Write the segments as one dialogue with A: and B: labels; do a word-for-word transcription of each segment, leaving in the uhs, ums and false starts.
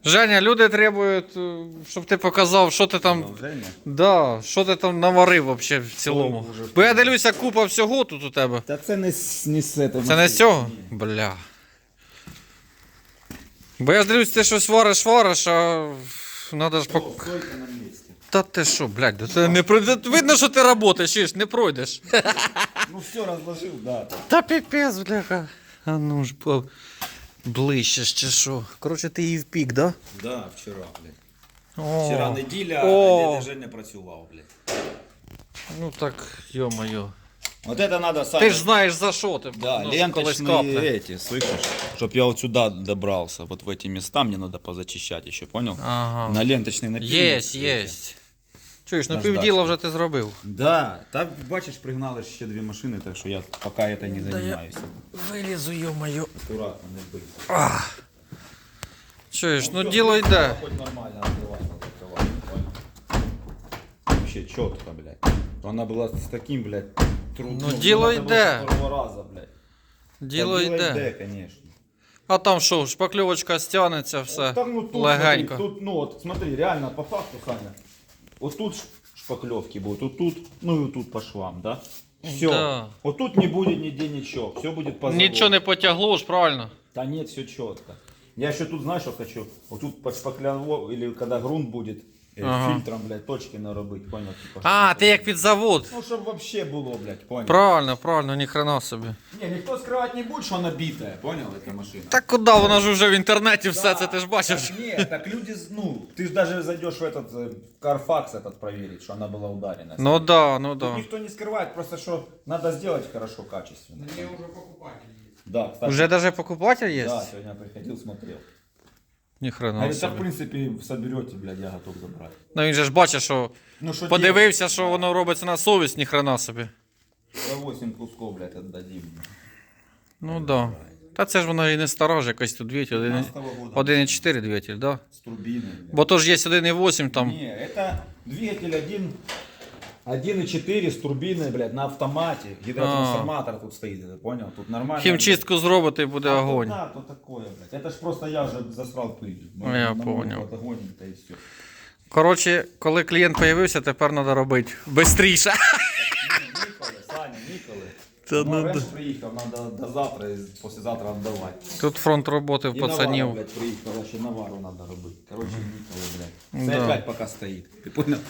A: Женя, люди требують, е, щоб ти показав, що ти там.
B: Продовження?
A: Да, що ти там наварив вообще в цілому.
B: Ой, Боже.
A: Бо я дивлюся, купа всього тут у тебе.
B: Та це не, з- не з этого.
A: Це не з цього? Бля. Бо я дивлюсь, ти щось вариш, вариш, а надо ж пок...
B: Стойка на місці.
A: Та ти що, блядь, да це не пройде. Видно, що ти працюєш, чиш, не пройдеш.
B: Ну все розложив, да.
A: Та піпець, бляха. А ну ж, по... ближче ж чи що. Коротше, ти її впік, да?
B: Да, вчора, блядь.
A: О.
B: Вчора неділя,
A: О.
B: а дядя Женя працював, блядь.
A: Ну так, йо-моє.
B: Вот это надо, Саня.
A: Ти ж знаєш за що ти.
B: Да,
A: ну, колись
B: ленточные
A: капне.
B: эти, слышишь? Чтоб я вот сюда добрался, вот в эти места мне надо позачищать еще, понял?
A: Ага.
B: На ленточный напильник.
A: Єсть,
B: эти.
A: єсть. Чуєш, ну
B: Наждачки.
A: півділа вже ти зробив.
B: Да, так бачиш, пригнали ще дві машини, так що я пока это не
A: Да я-
B: занимаюсь.
A: Вилізу, йо-моє.
B: Аккуратно, не бий.
A: Чуєш, ну
B: всё,
A: діло йде.
B: Хоть нормально открывать, закрывать, понял? Вообще четко, блядь. Она была с таким, блядь, трудом.
A: Ну, діло йде.
B: С первого раза, блядь.
A: Діло
B: Та
A: йде.
B: конечно.
A: А там що, шпакльовочка стягнеться, все.
B: Там, ну, тут,
A: легенько.
B: Смотри, тут, ну, вот, смотри, реально, по факту, Саня, вот тут ш- шпаклевки будут, вот тут, ну и вот тут по швам, да? Все.
A: Да.
B: Вот тут не будет нигде ничего, все будет по заводу.
A: Нічого не потягло ж, правильно?
B: Да нет, все четко. Я еще тут, знаешь, что хочу? Вот тут под шпаклево, или когда грунт будет, э,
A: Ага.
B: фильтром, блядь, точки наробить, понял? Типа,
A: А,
B: чтобы-
A: ти як під завод.
B: Ну, чтобы вообще было, блядь, понял?
A: Правильно, правильно, ні хрена собі.
B: Не, никто скрывать не будет, что она битая, понял, эта машина?
A: Так куди, вона ж вже в інтернеті все це, ти ж бачиш.
B: Так, нет, так люди, ну, ты ж даже зайдешь в этот э, Carfax этот проверить, что она была ударена.
A: Ну да, ну
B: Тут
A: да.
B: никто не скрывает, просто что надо сделать хорошо, качественно.
C: Мне уже покупатель есть.
B: Да, кстати.
A: Уже даже покупатель є?
B: Да, сегодня приходил, смотрел.
A: Ні хрена
B: Говорит, так, в
A: собі.
B: принципе, соберете, блядь, я готов забрать.
A: Ну він же ж бачить, що
B: Ну, что
A: подивився, що воно робиться на совість, ні хрена собі.
B: За восемь кусков, блядь, отдадим.
A: Ну да. Та це ж воно і не стара ж якось тут двигатель.
B: пятнадцатого года.
A: один і чотири двигатель, да?
B: С турбиной, блядь.
A: Бо то ж є один і вісім там.
B: Не, это двигатель один, один и четыре с турбиной, блядь, на автомате. Гидротрансформатор тут стоит, ты понял? Тут нормально.
A: Хімчистку зробити і буде
B: А
A: огонь.
B: то да, то такое, блядь. Это ж просто я уже засрал пыль.
A: Ну, я понял.
B: Огонь, это и все.
A: Коротше, коли клієнт з'явився, тепер треба робити швидше.
B: Николы, Саня, Николы.
A: Та
B: Ну,
A: ну
B: Ренж
A: да.
B: приехал, надо до завтра, и послезавтра отдавать.
A: Тут фронт роботи в
B: И Навару,
A: пацанів.
B: блядь, приехал, еще Навару надо робить. Короче, Николы, блядь.
A: Да.
B: Це опять пока стоит. Ты понял?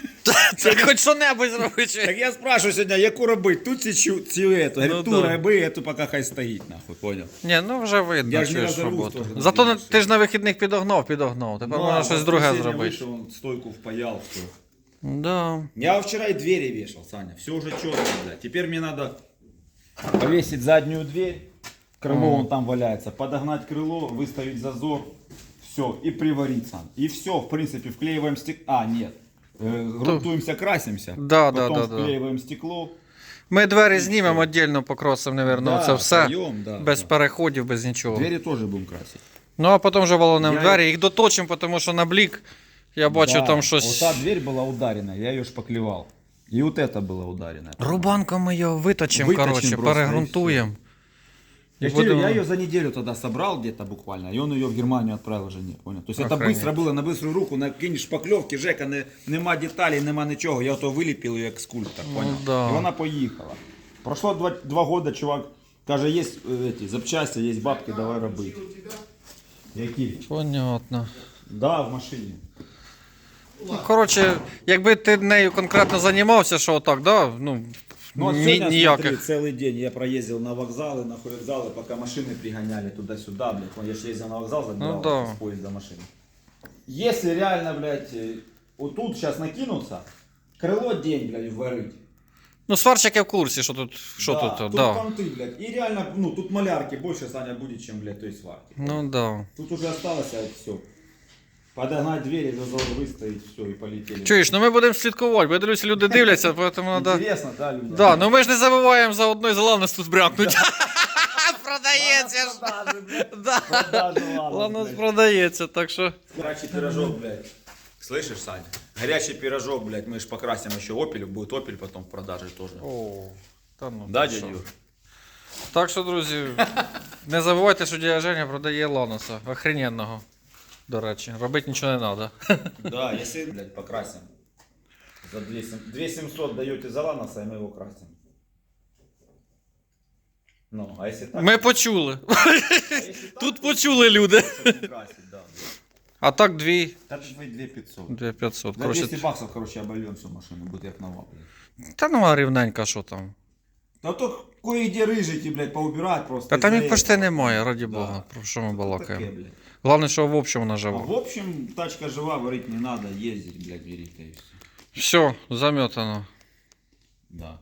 A: Це хоч що-небудь зробити.
B: Так я спрашиваю сегодня, яку робить? Тут ці цю, цю эту. Говорю,
A: Ну
B: ту
A: да.
B: роби, эту пока хай стоїть, нахуй, понял?
A: Ні, ну вже видно,
B: Я ж не
A: чуєш
B: розорвусь
A: роботу.
B: теж на
A: Зато на-
B: тій
A: ти ж на вихідних підогнав, підогнав. Тепер можна щось друге зробити.
B: Вышел, он стойку впаял, все.
A: Да.
B: Я вчера и двери вешал, Саня. Все уже четко, блядь. Теперь мне надо повесить заднюю дверь. Крыло вон там валяется. Подогнать крыло, выставить зазор. Все. И приварить, Сан. И все, в принципе, вклеиваем стекло. А, нет. Э, грунтуемся, красимся.
A: Да, да,
B: Потом
A: да, да.
B: вклеиваем стекло.
A: Ми двері знімемо віддільно, покросимо, напевно,
B: Да,
A: це все.
B: вдвоєм, да,
A: без
B: да.
A: переходів, без нічого.
B: Двери тоже будем красить.
A: Ну а потім вже волонем
B: Я-
A: двері, їх доточимо, тому що на блік я бачу
B: Да,
A: там щось.
B: Вот та дверь была ударена, я ее шпаклевал. И вот это было ударено.
A: Рубанком ми його виточимо,
B: Виточимо
A: коротше,
B: просто,
A: перегрунтуємо.
B: Я,
A: И
B: ж говорю,
A: будем-
B: я ее за неделю тогда собрал где-то буквально, и он ее в Германию отправил жене, понял? То есть это
A: Охренеть.
B: быстро было, на быструю руку, накинешь шпаклевки, Жека, не, нема деталей, нема ничего, я то виліпив її як скульптор, понял?
A: да.
B: И вона поїхала. Прошло два, два года, чувак, каже, є эти запчасти, є бабки, давай робити. Які?
A: Понятно.
B: Да, в машині.
A: Ну, коротше, якби ти нею конкретно займався, що отак, да? Ну,
B: Ну, а
A: ні,
B: сегодня,
A: ніяких.
B: смотри, целый день я проездил на вокзалы, на вокзалы, пока машины пригоняли туда-сюда, блядь. Я же ездил на вокзал, забирал
A: Ну да.
B: с поезда машины. Если реально, блядь, э, вот тут сейчас накинуться, крыло день, блядь, варить.
A: Ну, сварщик я в курсі, що тут, що
B: да,
A: тут,
B: тут
A: да.
B: понты, блядь. И реально, ну, тут малярки больше, Саня, будет, чем, блядь, той сварки.
A: Ну да.
B: Тут уже осталось, а все. Подогнать двери, зазор выставить, все, и полетели.
A: Чуєш, ну ми будемо слідкувати, бо я дивлюся, люди дивляться, тому треба...
B: Интересно, да, люди?
A: Да, ну ми ж не забуваємо за одної з Ланос тут брякнуть. Продається ж.
B: Продажи, блядь.
A: Да.
B: Продажи, ладно,
A: Ланос
B: блядь.
A: продається, так що...
B: Горячий пирожок, блядь. Слышишь, Саня? Горячий пирожок, блядь, мы ж покрасим еще опель, будет опель потом в продаже тоже.
A: О, та ну.
B: Да,
A: ти що.
B: дядь Юр?
A: Так що, друзі, не забувайте, що дядя Женя продає Ланоса, охрененного. до речі. Робити нічого не треба.
B: Да, если, блядь, покрасим. За две семьсот даете за Ланоса, и мы его красим. Ну, а если так...
A: Ми почули.
B: а если так,
A: Тут
B: то-
A: почули люди.
B: чтобы не красить, да, да.
A: А так дві,
B: Так две пятьсот.
A: дві п'ятсот.
B: За
A: Короче,
B: двести баксов, короче, обольем всю машину, будет як нова, блядь.
A: та нема рівненька, що там.
B: Да то кое-где рыжики, блядь, поубирать просто.
A: Та там
B: из-за
A: їх почти
B: этого.
A: немає, раді
B: Да.
A: Бога. Про що ми
B: Таке,
A: балакаємо?
B: блядь.
A: Головне, що в общем вона
B: А
A: жива.
B: в общем, тачка жива, варить не надо, ездить, блядь, берите и все.
A: Все, заметано.
B: Да.